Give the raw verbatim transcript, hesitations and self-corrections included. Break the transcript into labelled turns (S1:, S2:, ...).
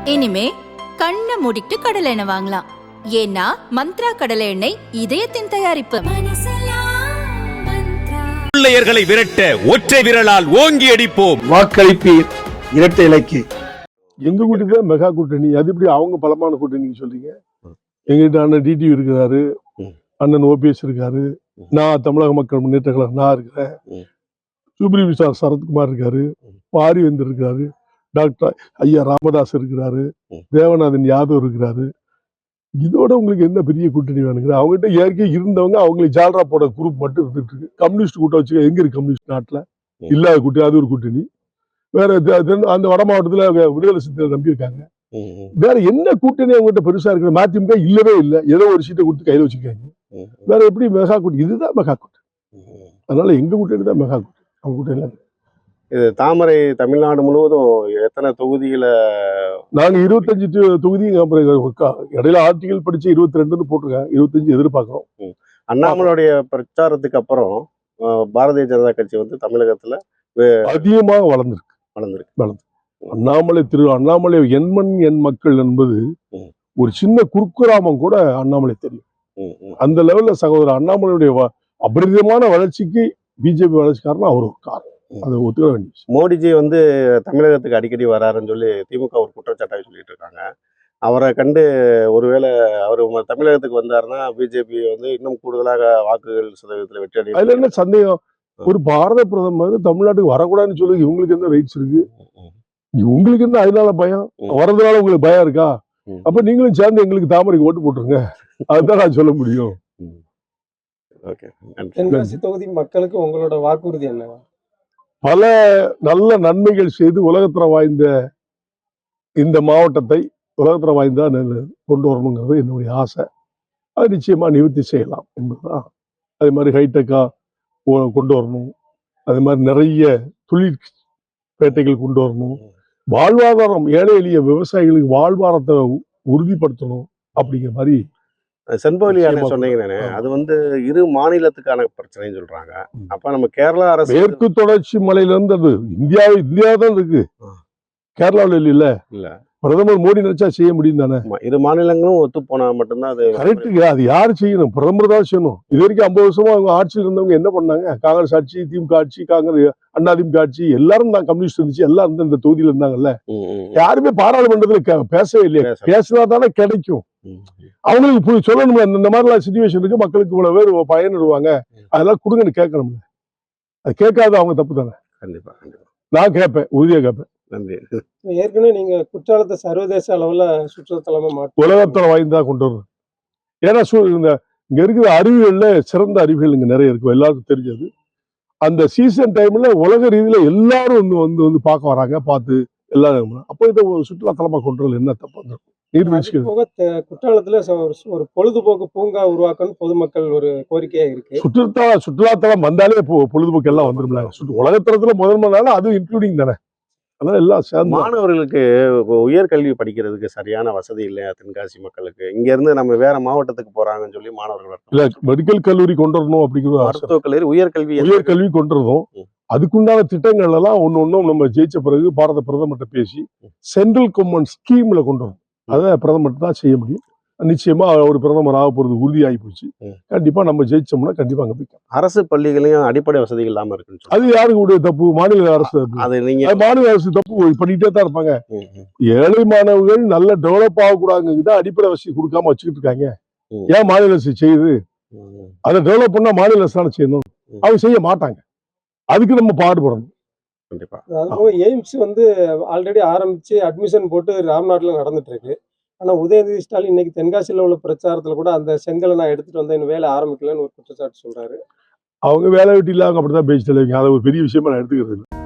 S1: இனிமே கண்ணை மூடிட்டு கடலை எண்ணெய் வாங்கலாம். ஏன்னா மந்த்ரா கடலை எண்ணெய் இதயத்தின் தயாரிப்பு.
S2: பிள்ளையர்களை விரட்ட ஒற்றை விரலால் ஓங்கி அடிப்போம்.
S3: வாக்களிப்பீர் இரட்டை இலக்கு. எங்க கூட்டணி தான் மெகா கூட்டணி. அது எப்படி அவங்க பலமான கூட்டணி சொல்றீங்க? எங்கிட்ட அண்ணன் டிடிவி இருக்கிறாரு, அண்ணன் ஓபிஎஸ் இருக்காரு, நான் தமிழக மக்கள் முன்னேற்ற கழகம் நான் இருக்கிறேன், சுப்ரீம் சார் சரத்குமார் இருக்காரு, பாரிவேந்தர் இருக்காரு, டாக்டர் ஐயா ராமதாஸ் இருக்கிறாரு, தேவநாதன் யாதவ் இருக்கிறாரு. இதோட உங்களுக்கு என்ன பெரிய கூட்டணி வேணுங்கிற? அவங்ககிட்ட ஏற்கனவே இருந்தவங்க அவங்களுக்கு ஜால்ரா போட குரூப் மட்டும் இருந்துட்டு இருக்கு. கம்யூனிஸ்ட் கூட்டம் வச்சு எங்க இருக்கு? கம்யூனிஸ்ட் நாட்டுல இல்லாத கூட்டணி அது ஒரு கூட்டணி. வேற அந்த வட மாவட்டத்துல விடுதலை சிறுத்தைகள் நம்பி இருக்காங்க. வேற என்ன கூட்டணி அவங்ககிட்ட பெருசா இருக்கு? மதிமுக இல்லவே இல்லை, ஏதோ ஒரு சீட்டை கொடுத்து கையில வச்சுக்காங்க. வேற எப்படி மெகா கூட்டணி? இதுதான் மெகா கூட்டணி. அதனால எங்க கூட்டணி தான் மெகா கூட்டணி. அவங்க கூட்டணி
S4: இது தாமரை தமிழ்நாடு முழுவதும் எத்தனை தொகுதியில?
S3: நாங்க இருபத்தஞ்சு தொகுதி இடையில ஆர்டிகல் படிச்சு இருபத்தி ரெண்டுன்னு போட்டிருக்கேன். இருபத்தஞ்சு எதிர்பார்க்கிறோம்.
S4: அண்ணாமலையுடைய பிரச்சாரத்துக்கு அப்புறம் பாரதிய ஜனதா கட்சி வந்து தமிழகத்துல
S3: அதிகமாக வளர்ந்துருக்கு
S4: வளர்ந்துருக்கு
S3: வளர்ந்து அண்ணாமலை திரு அண்ணாமலை எண்மண் எண் மக்கள் என்பது ஒரு சின்ன குறுக்குராமம் கூட அண்ணாமலை தெரியும். அந்த லெவல்ல சகோதரர் அண்ணாமலையுடைய அபரிதமான வளர்ச்சிக்கு பிஜேபி வளர்ச்சி காரணம் அவர் ஒரு காரணம். அது ஒத்துக்க வேண்டிய.
S4: மோடிஜி வந்து தமிழகத்துக்கு அடிக்கடி வராருன்னு சொல்லி திமுக ஒரு குற்றச்சாட்டாக சொல்லிட்டு இருக்காங்க. அவரை கண்டு ஒருவேளை அவர் தமிழகத்துக்கு வந்தாருன்னா பிஜேபி வந்து இன்னும் கூடுதலாக வாக்குகள் சதவீதத்தில் வெற்றி அடையும்.
S3: அதுல என்ன சந்தேகம்? ஒரு பாரத பிரதமர் தமிழ்நாட்டுக்கு வரக்கூடாதுன்னு சொல்லி இவங்களுக்கு என்ன ரைட்ஸ் இருக்கு? உங்களுக்கு என்ன அதனால பயம்? வரதுனால உங்களுக்கு பயம் இருக்கா? அப்ப நீங்களும் சேர்ந்து எங்களுக்கு தாமரைக்கு ஓட்டு போட்டுருங்க. அதுதான் நான் சொல்ல முடியும்.
S5: தென்காசி தொகுதி மக்களுக்கு உங்களோட வாக்குறுதி என்ன?
S3: பல நல்ல நன்மைகள் செய்து உலகத்தரம் வாய்ந்த இந்த மாவட்டத்தை உலகத்தரம் வாய்ந்தா கொண்டு வரணுங்கிறது என்னுடைய ஆசை. அது நிச்சயமா நிவர்த்தி செய்யலாம் என்பதுதான். அதே மாதிரி ஹைடெக்கா கொண்டு வரணும். அதே மாதிரி நிறைய தொழில் பேட்டைகள் கொண்டு வரணும். வாழ்வாதாரம் ஏழை எளிய விவசாயிகளுக்கு வாழ்வாதாரத்தை உறுதிப்படுத்தணும் அப்படிங்கிற மாதிரி.
S4: செண்பகவல்லி சொன்னீங்க, அது வந்து இரு மாநிலத்துக்கான பிரச்சனைன்னு சொல்றாங்க. அப்ப நம்ம கேரளா அரசு
S3: மேற்கு தொடர்ச்சி மலையில இருந்து அது இந்தியா இந்தியா தான் இருக்கு, கேரளாவில் இல்ல. இல்ல பிரதமர் மோடி நினைச்சா செய்ய முடியும் தானே? இரு மாநிலங்களும் ஒத்து போனா மட்டும்தான் அது கரெக்டுங்க. அது யாரு செய்யணும்? பிரதமர் தான் செய்யணும். இது வரைக்கும் ஐம்பது வருஷமா அவங்க ஆட்சியில் இருந்தவங்க என்ன பண்ணாங்க? காங்கிரஸ் ஆட்சி, திமுக ஆட்சி, காங்கிரஸ் அண்ணா திமுக ஆட்சி எல்லாரும் தான் கம்யூனிஸ்ட் இருந்துச்சு, எல்லாம் இருந்து இந்த தொகுதியில இருந்தாங்கல்ல. யாருமே பாராளுமன்றத்துல பேசவே இல்லையா? பேசினா தானே கிடைக்கும். அவங்களுக்கு சொல்லணும் இந்த மாதிரிலாம் சிச்சுவேஷன் இருக்கு, மக்களுக்கு இவ்வளவு பேர் பயனிடுவாங்க, அதெல்லாம் கொடுங்கன்னு கேட்கணும். அது கேட்காத அவங்க தப்பு தானே. கண்டிப்பா நான் கேட்பேன், உறுதியா கேட்பேன். நன்றி.
S5: ஏற்கனவே நீங்க குற்றாலத்தை சர்வதேச அளவுல சுற்றுலாத்தலமா மாற்ற
S3: உலகத்தரம் வாய்ந்தா கொண்டு வரணும். ஏன்னா இந்த இங்க இருக்கிற அறிவியல்ல சிறந்த அறிவியல் இங்க நிறைய இருக்கு, எல்லாருக்கும் தெரிஞ்சது. அந்த சீசன் டைம்ல உலக ரீதியில எல்லாரும் வந்து வந்து வந்து பார்க்க வராங்க, பார்த்து எல்லாரும். அப்போ இதை சுற்றுலாத்தலமா கொண்டு வரல என்ன தப்பு வந்துடும்? நீர்வீழ்ச்சி
S5: குற்றாலத்துல ஒரு பொழுதுபோக்கு பூங்கா உருவாக்கணும் பொதுமக்கள் ஒரு கோரிக்கையா இருக்கு.
S3: சுற்றுலா சுற்றுலாத்தலம் வந்தாலே பொழுதுபோக்கு எல்லாம் வந்துரும்ல. உலகத்தரத்துல முதன்மைனால அது இன்க்ளூடிங் தானே. அதனால எல்லாம் சேர்ந்து
S4: மாணவர்களுக்கு உயர்கல்வி படிக்கிறதுக்கு சரியான வசதி இல்லையா தென்காசி மக்களுக்கு? இங்க இருந்து நம்ம வேற மாவட்டத்துக்கு போறாங்கன்னு சொல்லி மாணவர்கள்
S3: இல்ல மெடிக்கல் கல்லூரி கொண்டு வரணும் அப்படிங்கிற
S4: மருத்துவக் கல்லூரி உயர்கல்வி
S3: உயர்கல்வி கொண்டு வரணும். அதுக்குண்டான திட்டங்கள் எல்லாம் ஒன்னு ஒன்னும் நம்ம ஜெயிச்ச பிறகு பாரத பிரதமர்கிட்ட பேசி சென்ட்ரல் கவர்மெண்ட் ஸ்கீம்ல கொண்டு வரணும். அதை பிரதமர் தான் செய்ய முடியும். நிச்சயமா ஒரு பிரதமர் ஆக போறது உறுதியாகி போச்சு. கண்டிப்பா நம்ம ஜெயிச்சோம்னா கண்டிப்பா அங்க போய்
S4: அரசு பள்ளிகளையும் அடிப்படை வசதிகள் இல்லாம இருக்கு.
S3: அது யாருக்குடைய தப்பு? மாநில அரசு.
S4: அது நீங்க
S3: மாநில அரசு தப்பு பண்ணிட்டே தான் இருப்பாங்க. ஏழை மாணவர்கள் நல்ல டெவலப் ஆகக்கூடாதுன்னு அடிப்படை வசதி கொடுக்காம வச்சுக்கிட்டு இருக்காங்க. ஏன் மாநில அரசு செய்யுது? அதை டெவலப் பண்ணா மாநில அரசு தானே செய்யணும். அவங்க செய்ய மாட்டாங்க. அதுக்கு நம்ம பாடுபடணும்.
S5: கண்டிப்பா. எய்ம்ஸ் வந்து ஆல்ரெடி ஆரம்பிச்சு அட்மிஷன் போட்டு ராம்நாட்ல நடந்துட்டு இருக்கு. ஆனா உதயநிதி ஸ்டாலின் இன்னைக்கு தென்காசியில உள்ள பிரச்சாரத்துல கூட அந்த செங்கலை நான் எடுத்துட்டு வந்தேன், இன்னும் வேலை ஆரம்பிக்கலன்னு ஒரு குற்றச்சாட்டு சொல்றாரு.
S3: அவங்க வேலை வெட்டி இல்லாம அப்படிதான் பேச்சு தலைவங்க. அதை ஒரு பெரிய விஷயமா நான் எடுத்துக்கிறது.